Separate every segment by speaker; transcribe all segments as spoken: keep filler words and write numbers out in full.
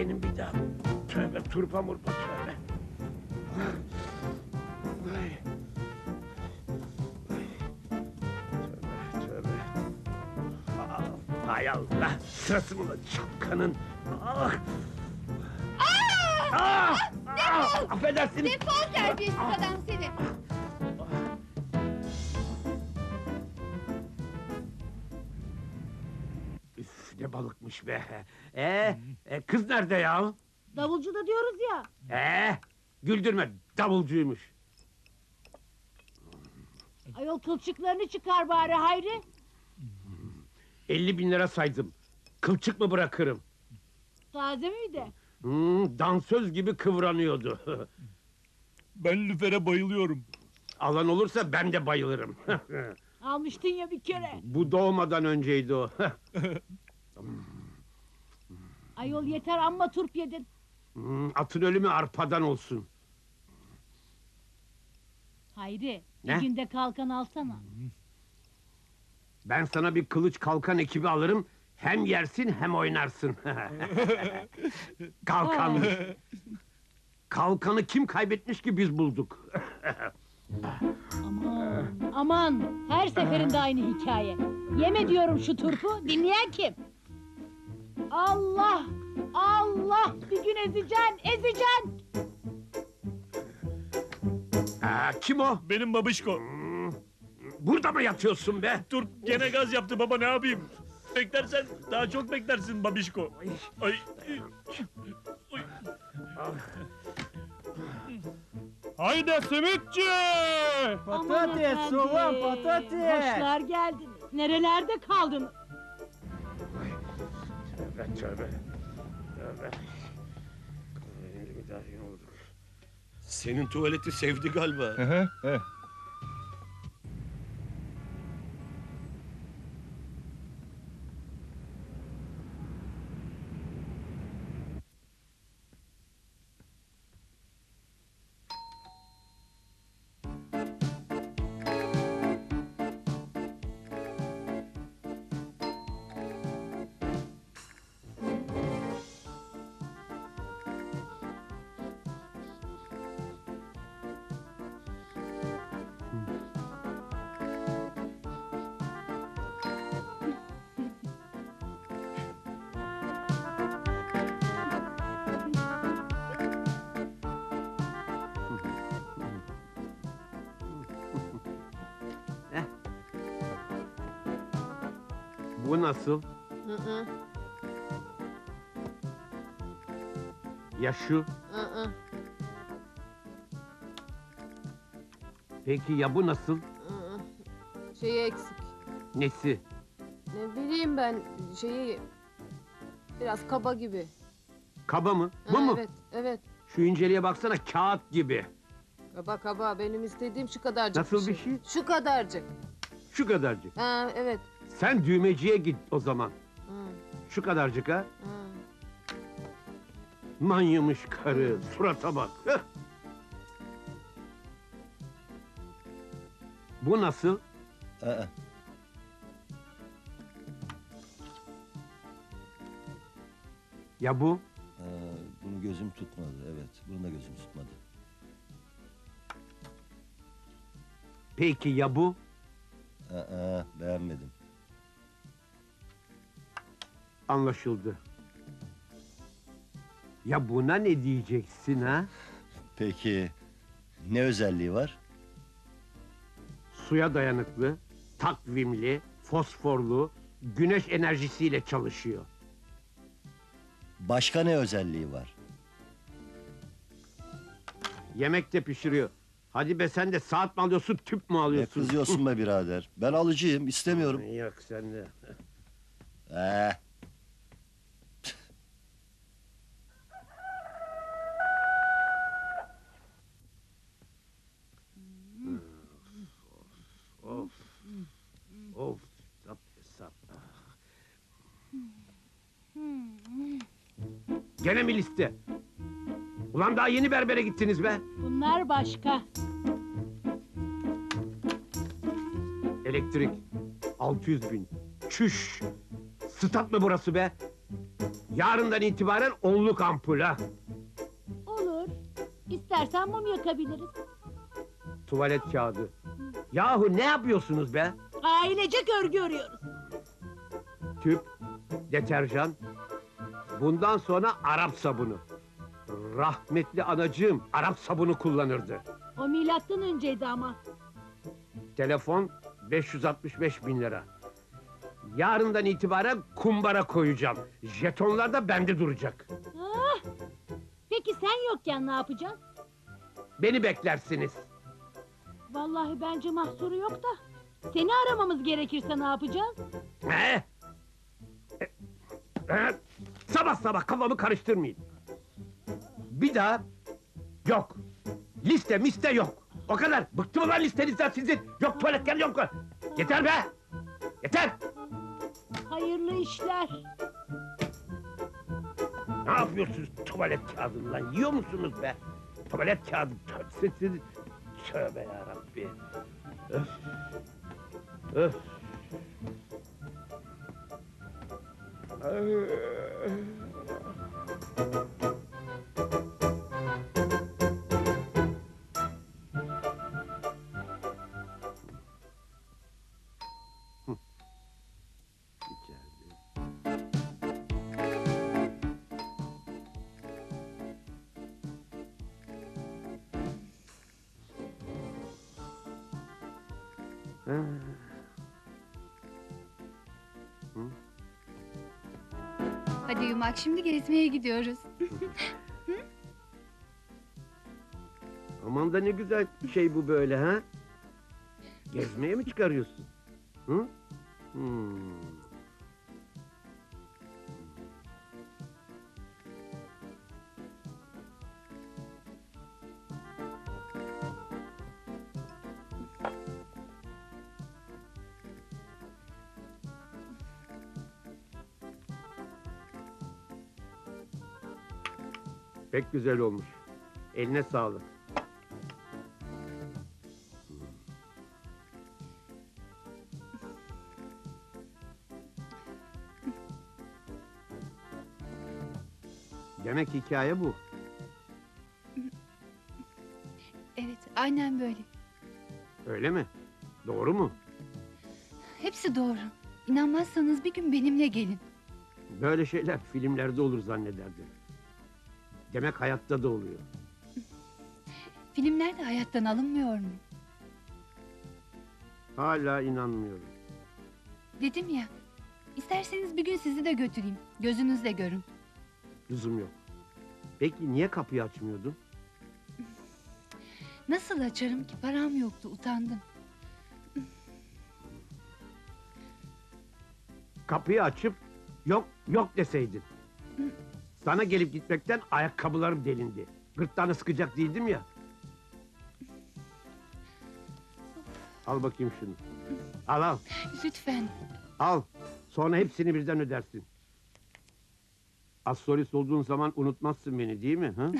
Speaker 1: benim bir daha. Tövbe turpa murpa tövbe. Ay. Ay. Tövbe tövbe. Aa, hay Allah, sırası mı lan çapkanın? Ah! Ah! Ah! Affedersiniz.
Speaker 2: Defol terbiyesiz adam seni!
Speaker 1: Üf, ne balıkmış be! Ee, e, kız nerede ya?
Speaker 3: Davulcu da diyoruz ya.
Speaker 1: Ee, güldürme, davulcuymuş.
Speaker 3: Ayol kılçıklarını çıkar bari Hayri.
Speaker 1: elli bin lira saydım. Kılçık mı bırakırım?
Speaker 3: Taze miydi?
Speaker 1: Hmm, dansöz gibi kıvranıyordu.
Speaker 4: Ben lüfere bayılıyorum.
Speaker 1: Alan olursa ben de bayılırım.
Speaker 3: Almıştın ya bir kere.
Speaker 1: Bu doğmadan önceydi o.
Speaker 3: Ayol yeter amma turp yedin.
Speaker 1: Hmm, atın ölümü arpadan olsun.
Speaker 3: Hayri
Speaker 1: Ne?
Speaker 3: bir günde kalkan alsana.
Speaker 1: Ben sana bir kılıç kalkan ekibi alırım. Hem yersin hem oynarsın. Kalkan. Kalkanı kim kaybetmiş ki biz bulduk.
Speaker 3: Aman aman her seferinde aynı hikaye. Yeme diyorum şu turpu, dinleyen kim? Allah Allah bir gün ezeceksin ezeceksin.
Speaker 1: Aa, kim o?
Speaker 4: Benim babişko.
Speaker 1: Hmm, burada mı yatıyorsun be?
Speaker 4: Dur gene gaz yaptı baba, ne yapayım? Beklersen daha çok beklersin babişko. Ay. Ay. Haydi simitçi!
Speaker 3: Aman
Speaker 5: Patates,
Speaker 3: efendim,
Speaker 5: soğan, patates.
Speaker 3: Hoşlar geldiniz. Nerelerde kaldın?
Speaker 1: Tövbe tövbe. Tövbe. Bir daha yine olduk.
Speaker 6: Senin tuvaleti sevdi galiba.
Speaker 1: Bu nasıl?
Speaker 7: Hı hı,
Speaker 1: Ya şu?
Speaker 7: hı hı,
Speaker 1: Peki ya bu nasıl?
Speaker 7: hı hı. Şeyi eksik.
Speaker 1: Nesi?
Speaker 7: Ne bileyim ben şeyi biraz kaba gibi.
Speaker 1: Kaba mı? Bu
Speaker 7: Ha,
Speaker 1: mu?
Speaker 7: Evet, evet.
Speaker 1: Şu inceliğe baksana, kağıt gibi.
Speaker 7: Kaba kaba benim istediğim şu kadarcık.
Speaker 1: Nasıl bir şey?
Speaker 7: Şu kadarcık.
Speaker 1: Şu kadarcık.
Speaker 7: Ha evet.
Speaker 1: Sen düğmeciye git o zaman.
Speaker 7: Hı,
Speaker 1: Şu kadarcık ha.
Speaker 7: hı.
Speaker 1: Manyamış karı, surata bak. Hıh! Bu nasıl?
Speaker 6: Aa,
Speaker 1: Ya bu?
Speaker 6: aa, bunu gözüm tutmadı, evet. Bunu da gözüm tutmadı.
Speaker 1: Peki ya bu?
Speaker 6: Aa, beğenmedim.
Speaker 1: Anlaşıldı. Ya buna ne diyeceksin ha?
Speaker 6: Peki, ne özelliği var?
Speaker 1: Suya dayanıklı, takvimli, fosforlu, güneş enerjisiyle çalışıyor.
Speaker 6: Başka ne özelliği var?
Speaker 1: Yemek de pişiriyor. Hadi be, sen de saat mi alıyorsun, tüp mü
Speaker 6: Ne
Speaker 1: alıyorsun?
Speaker 6: kızıyorsun be birader? Ben alıcıyım, istemiyorum.
Speaker 1: Yok sen de.
Speaker 6: Ee,
Speaker 1: Of. Of. Sap, sap. Gene mi liste? Ulan daha yeni berbere gittiniz be.
Speaker 3: Bunlar başka.
Speaker 1: Elektrik. altı yüz bin. Çüş. Stat mı burası be? Yarından itibaren onluk ampul ha.
Speaker 3: Olur. İstersen mum yakabiliriz.
Speaker 1: Tuvalet kağıdı. Yahu ne yapıyorsunuz be?
Speaker 3: Ailecek örgü örüyoruz.
Speaker 1: Tüp, deterjan. Bundan sonra Arap sabunu. Rahmetli anacığım Arap sabunu kullanırdı.
Speaker 3: O milattan önceydi ama.
Speaker 1: Telefon beş yüz altmış beş bin lira. Yarından itibaren kumbara koyacağım. Jetonlar da bende duracak.
Speaker 3: Ah! Peki sen yokken ne yapacağız?
Speaker 1: Beni beklersiniz.
Speaker 3: Vallahi bence mahsuru yok da. Seni aramamız gerekirse ne yapacağız?
Speaker 1: He? E, e, sabah sabah kafamı karıştırmayın. Bir daha yok. Liste miste yok. O kadar. Bıktım lan listenizden sizin. Yok tuvaletler yok. Yeter be. Yeter.
Speaker 3: Hayırlı işler.
Speaker 1: Ne yapıyorsunuz tuvalet kağıdından? Yiyor musunuz be? Tuvalet kağıdı. Siz, siz... Tövbe yarabbi. Öf. Öf. Ay. Hı. İçeride. Ha.
Speaker 2: Hadi Yumak, şimdi gezmeye gidiyoruz.
Speaker 1: Aman da ne güzel şey bu böyle ha? Gezmeye mi çıkarıyorsun? Hı? Hmm. Pek güzel olmuş. Eline sağlık. Demek hikaye bu.
Speaker 2: Evet, aynen böyle.
Speaker 1: Öyle mi? Doğru mu?
Speaker 2: Hepsi doğru. İnanmazsanız bir gün benimle gelin.
Speaker 1: Böyle şeyler filmlerde olur zannederdim. Demek hayatta da oluyor.
Speaker 2: Filmler de hayattan alınmıyor mu?
Speaker 1: Hala inanmıyorum.
Speaker 2: Dedim ya, isterseniz bir gün sizi de götüreyim. Gözünüzle görün.
Speaker 1: Lüzum yok. Peki niye kapıyı açmıyordun?
Speaker 2: Nasıl açarım ki? Param yoktu, utandım.
Speaker 1: Kapıyı açıp yok yok deseydin. Sana gelip gitmekten ayakkabılarım delindi. Gırtlağını sıkacak değildim ya. Al bakayım şunu. Al al.
Speaker 2: Lütfen.
Speaker 1: Al. Sonra hepsini birden ödersin. Astrolist olduğun zaman unutmazsın beni değil mi? Ha?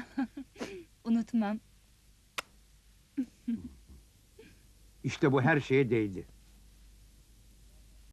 Speaker 2: Unutmam.
Speaker 1: İşte bu her şeye değdi.